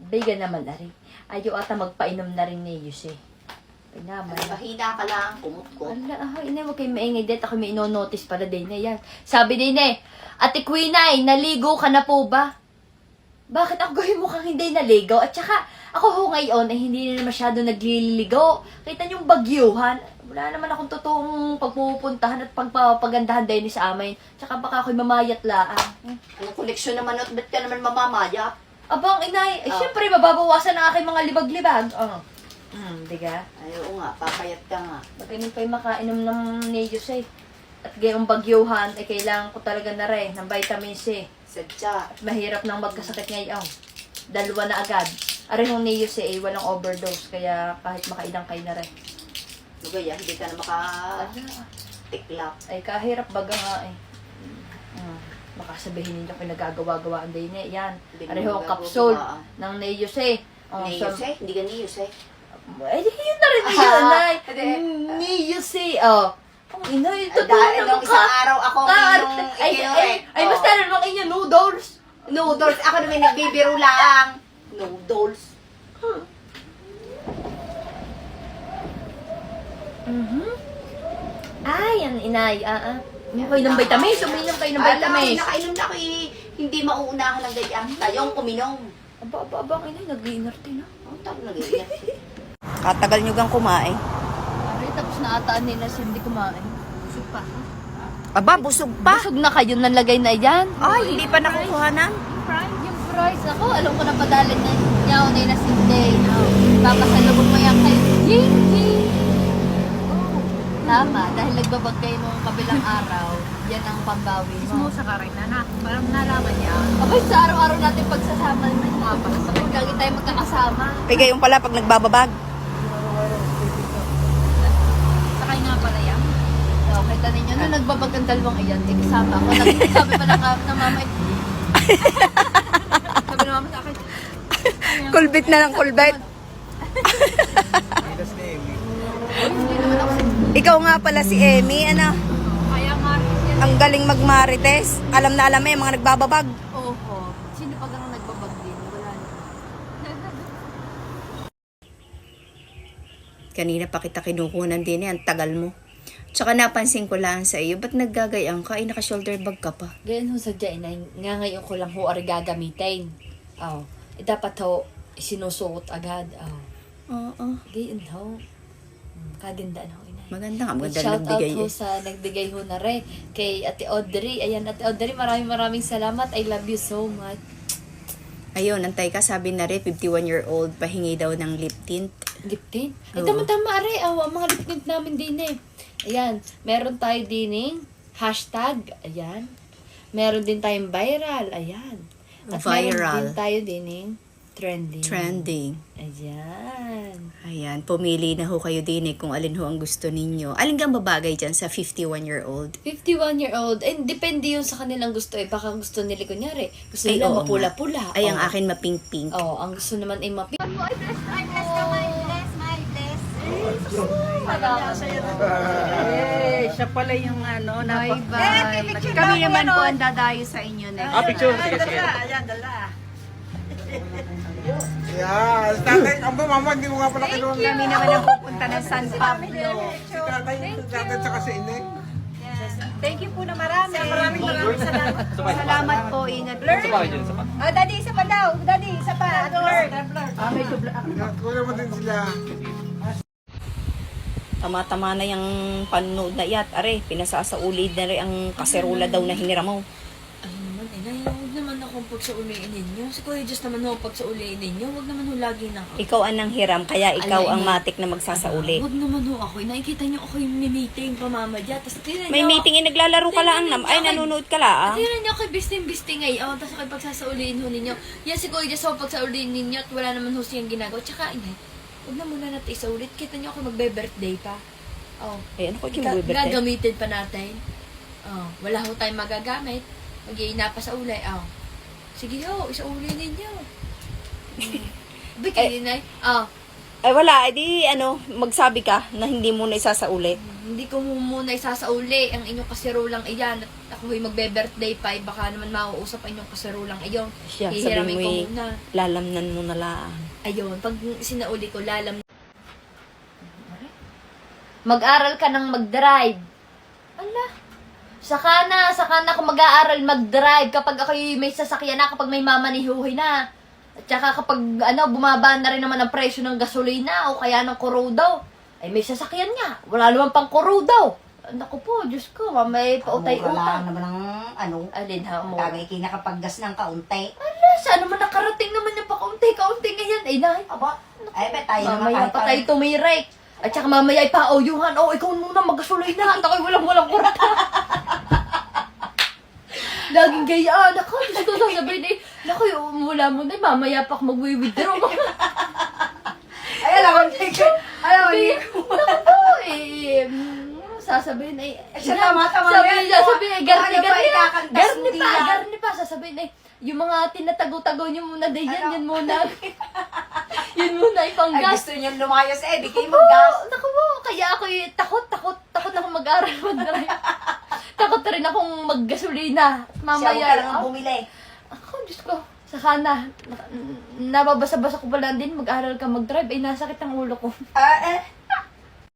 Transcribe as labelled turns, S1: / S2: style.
S1: Biga naman na rin. Ayaw ata magpainom na rin ni Yuse. Ay naman.
S2: Mahina ka lang, kumot-kot.
S1: Ala, inay, huwag kayong maingay din. Ako may ino-notice para din na yan. Sabi din eh, Ate Quinay, naligo ka na po ba? Bakit ako gawin mukhang hindi naligo? At saka, ako ho ngayon, ay hindi na masyado nagliligo. Kita niyong bagyuhan. Wala naman akong totoong pagpupuntahan at pagpapagandahan din sa amin. Tsaka baka ako'y mamayat laan.
S2: Anong koleksyon naman, at ba't ka naman mamamaya?
S1: Abang inay, syempre mababawasan ang aking mga libag-libag. Diga?
S2: Ay, oo nga, papayat ka nga.
S1: Magaling pa'y makainom ng Neos eh. At gayong bagyuhan, ay kailangan ko talaga na rin ng vitamin C.
S2: Sadya.
S1: At mahirap nang magkasakit ngayon. 2 na agad. Arehong Neos eh, walang overdose. Kaya kahit makailang kayo na rin.
S2: Lugaya, hindi ka na maka-tiklap.
S1: Ay kahirap baga nga eh. Baka sabihin ninyo pinagagawa-gawaan din eh. Yan. Arehong capsule ng Neos eh.
S2: Neos eh? Hindi ka Neos eh?
S1: Eh, yun na rin yun, Nay. Neos eh. Ang inay, totoo
S2: Dahil
S1: naman
S2: nung isang araw ako minong
S1: ay, mas tala naman inyo, noodles.
S2: Noodles. Ako naman nagbibiro lang. Noodles.
S1: Ay, yan, inay. Uminom kayo ng vitamins. Uminom kayo ng vitamins.
S2: Nakainom na ako eh. Hindi mauunahan ng ganyan. Tayong uminom.
S1: Aba, ang inay, nag-iinarte na.
S2: Ang tawag na ganyan.
S3: Katagal nyo gang kumain.
S1: Ay, tapos naataan nila siya hindi kumain. Busog pa.
S3: Aba, busog pa.
S1: Busog na kayo, nalagay na yan.
S3: Ay, hindi pa nakukuhanan.
S1: Yung fries, ako, alam ko na padalan na niya, unay na sinday. Papasalubog mo yan kayo. Ying, ying. Tama, dahil nagbabag kayo nung kabilang araw, yan ang pambawi mo.
S4: Sa karay na na. Parang nalaman niya.
S1: Abay, sa araw-araw natin pagsasama naman mga pasasakit. Lagi tayo magkakasama.
S3: Pigay yung pala pag nagbababag.
S4: Sakay nga pala yan.
S1: So, kita ninyo, nung nagbabag ang dalawang iyan, kasama ako. Sabi pa ng mama, sabi ng mama sa akin,
S3: Kulbit na lang kulbit.
S1: hindi naman ako
S3: Ikaw nga pala si Emmy, ano?
S4: Kaya nga yan.
S3: Ang galing magmarites. Alam na alam yung mga nagbababag.
S1: Oo. Sino pag ang nagbabag din? Wala na.
S3: Kanina pa kita kinukunan din ang tagal mo. Tsaka napansin ko lang sa iyo, ba't naggagayang ka? Ay, naka-shoulder bag ka pa.
S1: Ganyan ho sadya, inay. Nga ngayon ko lang ho ari gagamitin. Dapat ho, sinusuot agad.
S3: Oo.
S1: Ganyan ho. Kagandaan ho, inay.
S3: Maganda nga, maganda
S1: Shout out
S3: nagbigay
S1: ho
S3: eh.
S1: sa nagbigay ho na rin. Kay Ate Audrey. Ayan, Ate Audrey, maraming salamat. I love you so much.
S3: Ayun, antay ka, sabi na rin, 51-year-old, pahingi daw ng lip tint.
S1: Lip tint? Ay,
S3: Oo.
S1: tama-tama, are. Ang mga lip tint namin din eh. Ayan, meron tayo din hashtag. Ayan. Meron din tayong viral. Ayan. At
S3: Viral.
S1: meron din tayo din trending.
S3: Trending.
S1: Ayan.
S3: Ayan, pumili na ho kayo din kung alin ho ang gusto ninyo. Alin kang babagay dyan sa 51-year-old?
S1: 51-year-old. And depende yun sa kanilang gusto eh. Baka gusto nila, kunyari, gusto
S3: Ay,
S1: nila
S3: oo
S1: mapula-pula.
S3: Ay, ang akin mapink-pink.
S1: Ang gusto naman ay mapula.
S4: Siya pala yung ano. Bye-bye. Kami naman po ang dadayo sa inyo next.
S5: Picture. Sige, sige.
S4: Ayan, dala.
S5: Yeah, tatay, aba mama, hindi mo nga pala kinuha.
S4: Kami naman ang pupunta ng San Pablo.
S5: Si tatay tsaka si Ineng.
S4: Thank you po na marami. Maraming salamat. Salamat po. Ingat po.
S6: Daddy, isa pa daw. Daddy, isa pa.
S5: Kuya mo din sila.
S3: Tama-tama na yung panood na iyat. Are, pinasasaulid na rin ang kaserola daw na hinira mo.
S1: Ay naman, inay, huwag naman akong pagsauliin ninyo. Si Kuya Diyos naman ho pagsauliin ninyo. Huwag naman ho lagi na ako.
S3: Ikaw ang nanghiram, kaya ikaw
S1: Alay,
S3: ang
S1: may-
S3: matik na magsasauli.
S1: Huwag naman ho ako. Nakikita niyo ako yung meeting pamamadya. Tapos tingnan
S3: May
S1: niyo,
S3: meeting naglalaro ka lang. Ay, nanonood ka lang.
S1: tingnan niyo ako bisting-bisting ngayon. Tapos ako pagsasauliin ho ninyo. Yan si Kuya Diyos ho pagsauliin ninyo at wala naman ho siyang ginagawa. Tsaka inay, huwag na muna natin isaulit. Kita niyo ako magbe-birthday pa.
S3: Ay, ano ko yung birthday?
S1: Gagamitin pa natin. Wala ho tayong magagamit. Mag-iina pa sa ulay. Sige ho, isauli ninyo. Bigay inay.
S3: Ay, wala. Edi, magsabi ka na hindi mo na isasauli.
S1: Hindi ko muna isasauli ang inyong kasirulang iyan. At ako magbe-birthday pa, baka naman mauusap ang inyong kasarulang ayon.
S3: Siya,
S1: Hihiramin
S3: sabi mo
S1: ko
S3: eh,
S1: muna.
S3: lalamnan mo na lang.
S1: Ayun, pag sinauli ko, mag-aral ka ng mag-drive. Ala, saka na ako mag-aaral mag-drive kapag ako may sasakyan na, kapag may mamanihuhi na. At saka kapag bumaba na rin naman ang presyo ng gasolina o kaya ng kuro daw. Ay may sasakyan nga, wala naman pang kuro daw. Naku po, Diyos ko, may pautay
S2: Mura lang
S1: utang.
S2: naman ang
S1: Alin ha mo?
S2: Tagay kinakapaggas ng kaunti.
S1: Ala, saan naman nakarating naman yung pakaunti-kaunti ngayon? Ay, nahay.
S2: Aba, ay bet tayo naman
S1: Mamaya
S2: kahit
S1: pa tayo tumirek. At saka mamaya ipa-auyuhan. Oh, ikaw muna magkasuloy na. At ako'y walang kurata. Laging gayaan. Ako, Diyos ko sasabihin eh. Naku, mula mo na. Mamaya pa ako mag-withdraw.
S2: Ay, alam mo,
S1: Naku po eh. Sasabihin eh.
S2: Siya tama-tama
S1: Sabihin
S2: yan.
S1: eh. Garni
S2: Ano ba ikakantas mo diyan?
S1: Garni pa. Sasabihin eh. Yung mga tinatago-tago niyo muna din yan. Yan muna. Yun muna
S2: Ay,
S1: ipanggas.
S2: gusto niyo lumayas eh, di kayo
S1: Oo,
S2: maggas.
S1: naku po, kaya ako takot na akong mag-aral mag-drive. Takot na rin akong maggasolina.
S2: Siya,
S1: Mamaya
S2: huwag ka lang bumili.
S1: Ako, Diyos ko, sana, nababasa-basa ko pala din, mag-aral ka mag-drive, ay nasakit ang ulo ko.
S2: Ah,